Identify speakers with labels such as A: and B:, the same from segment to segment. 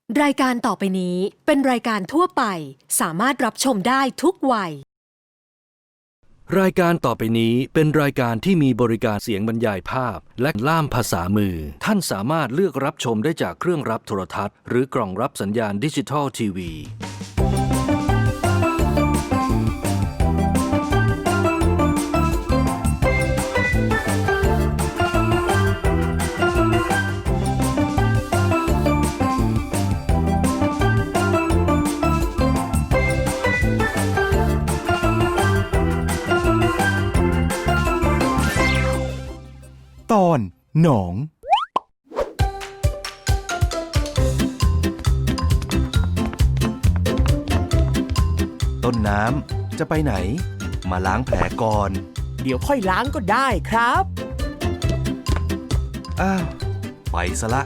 A: รายการต่อไปนี้เป็นรายการทั่วไปสามารถรับชมได้ทุกวัย
B: รายการต่อไปนี้เป็นรายการที่มีบริการเสียงบรรยายภาพและล่ามภาษามือท่านสามารถเลือกรับชมได้จากเครื่องรับโทรทัศน์หรือกล่องรับสัญญาณดิจิทัลทีวี
C: ตอนหนอง ต้นน้ำจะไปไหนมาล้างแผลก่อน
D: เดี๋ยวค่อยล้างก็ได้ครับ
C: อ้าวไปซะละ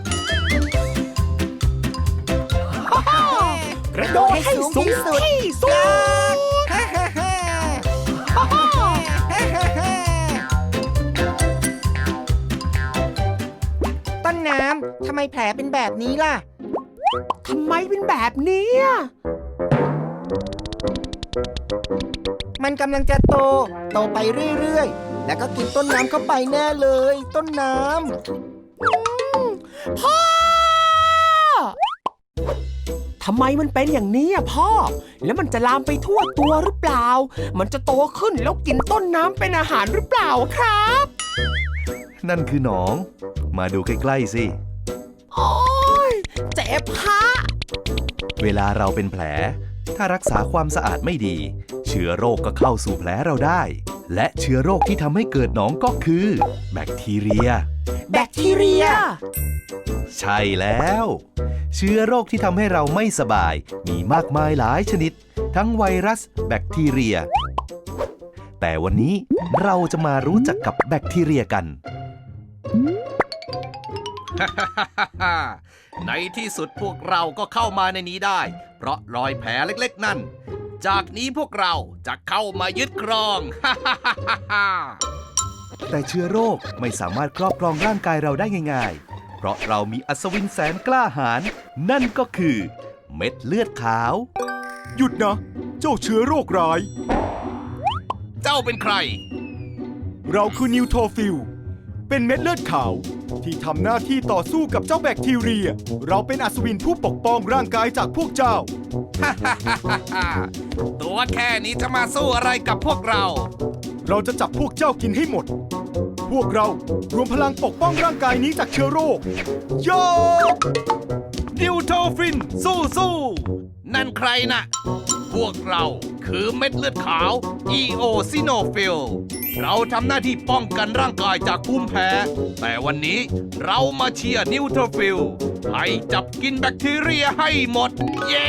D: กระโดดให้สูงที่สุด
E: ต้นน้ำทำไมแผลเป็นแบบนี้ล่ะ
D: ทำไมเป็นแบบนี้
E: มันกำลังจะโตไปเรื่อยๆ แล้วก็กินต้นน้ำเข้าไปแน่เลย ต้นน้ำ
D: พ่อทำไมมันเป็นอย่างนี้อ่ะพ่อ แล้วมันจะลามไปทั่วตัวหรือเปล่า มันจะโตขึ้นแล้วกินต้นน้ำเป็นอาหารหรือเปล่าครับ
C: นั่นคือหนองมาดูใกล้ๆสิ
D: โอ๊ยเจ็บฮะ
C: เวลาเราเป็นแผลถ้ารักษาความสะอาดไม่ดีเชื้อโรคก็เข้าสู่แผลเราได้และเชื้อโรคที่ทำให้เกิดหนองก็คือแบคทีเรีย
D: แบคทีเรีย
C: ใช่แล้วเชื้อโรคที่ทำให้เราไม่สบายมีมากมายหลายชนิดทั้งไวรัสแบคทีเรียแต่วันนี้เราจะมารู้จักกับแบคทีเรียกัน
F: ในที่สุดพวกเราก็เข้ามาในนี้ได้ เพราะรอยแผลเล็กๆนั่น จากนี้พวกเราจะเข้ามายึดครอง
C: แต่เชื้อโรคไม่สามารถครอบครองร่างกายเราได้ง่ายๆเพราะเรามีอัศวินแสนกล้าหาญนั่นก็คือเม็ดเลือดขาวหยุดนะเจ้าเชื้อโรคร้าย
F: เจ้าเป็นใคร
C: เราคือนิวโทฟิลเป็นเม็ดเลือดขาวที่ทำหน้าที่ต่อสู้กับเจ้าแบคทีเรียเราเป็นอัศวินผู้ปกป้องร่างกายจากพวกเจ้า
F: ตัวแค่นี้จะมาสู้อะไรกับพวกเรา
C: เราจะจับพวกเจ้ากินให้หมด พวกเรารวมพลังปกป้องร่างกายนี้จากเชื้อโรคโย
F: นิวโทฟินสู้นั่นใครนะพวกเราคือเม็ดเลือดขาว EO ซิโนฟิลเราทำหน้าที่ป้องกันร่างกายจากภูมิแพ้ แต่วันนี้เรามาเชียร์นิวโทฟิลให้จับกินแบคทีเรียให้หมด เย้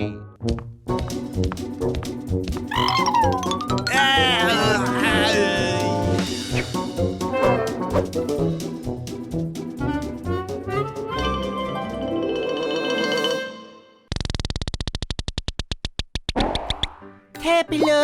E: เท่ไปเลย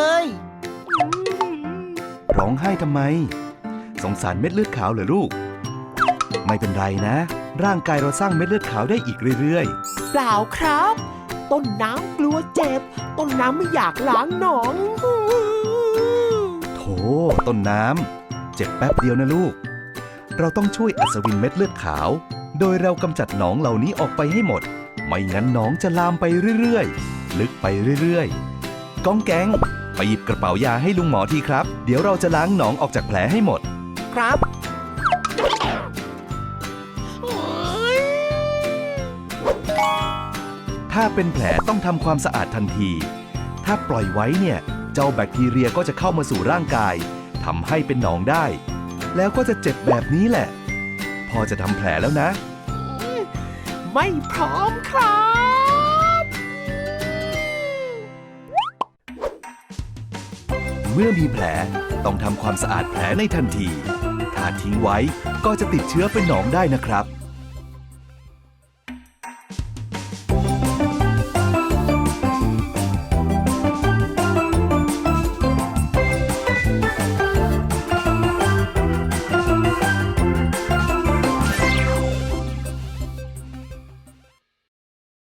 C: ร้องไห้ทำไมสงสารเม็ดเลือดขาวเหรอลูกไม่เป็นไรนะร่างกายเราสร้างเม็ดเลือดขาวได้อีกเรื่อยๆ
D: เปล่าครับ ต้นน้ำกลัวเจ็บ ต้นน้ำไม่อยากล้างหนอง
C: โถต้นน้ำเจ็บแป๊บเดียวนะลูกเราต้องช่วยอัศวินเม็ดเลือดขาวโดยเรากำจัดหนองเหล่านี้ออกไปให้หมดไม่งั้นหนองจะลามไปเรื่อยๆลึกไปเรื่อยๆก้องแก๊งไปหยิบกระเป๋ายาให้ลุงหมอทีครับเดี๋ยวเราจะล้างหนองออกจากแผลให้หมด
E: ครับ
C: ถ้าเป็นแผลต้องทำความสะอาดทันที ถ้าปล่อยไว้เนี่ยเจ้าแบคทีเรียก็จะเข้ามาสู่ร่างกายทำให้เป็นหนองได้ แล้วก็จะเจ็บแบบนี้แหละ พอจะทำแผลแล้วนะ
D: ไม่พร้อมครับ
C: เมื่อมีแผลต้องทำความสะอาดแผลในทันที ถ้าทิ้งไว้ก็จะติดเชื้อเป็นหนองได้นะครับ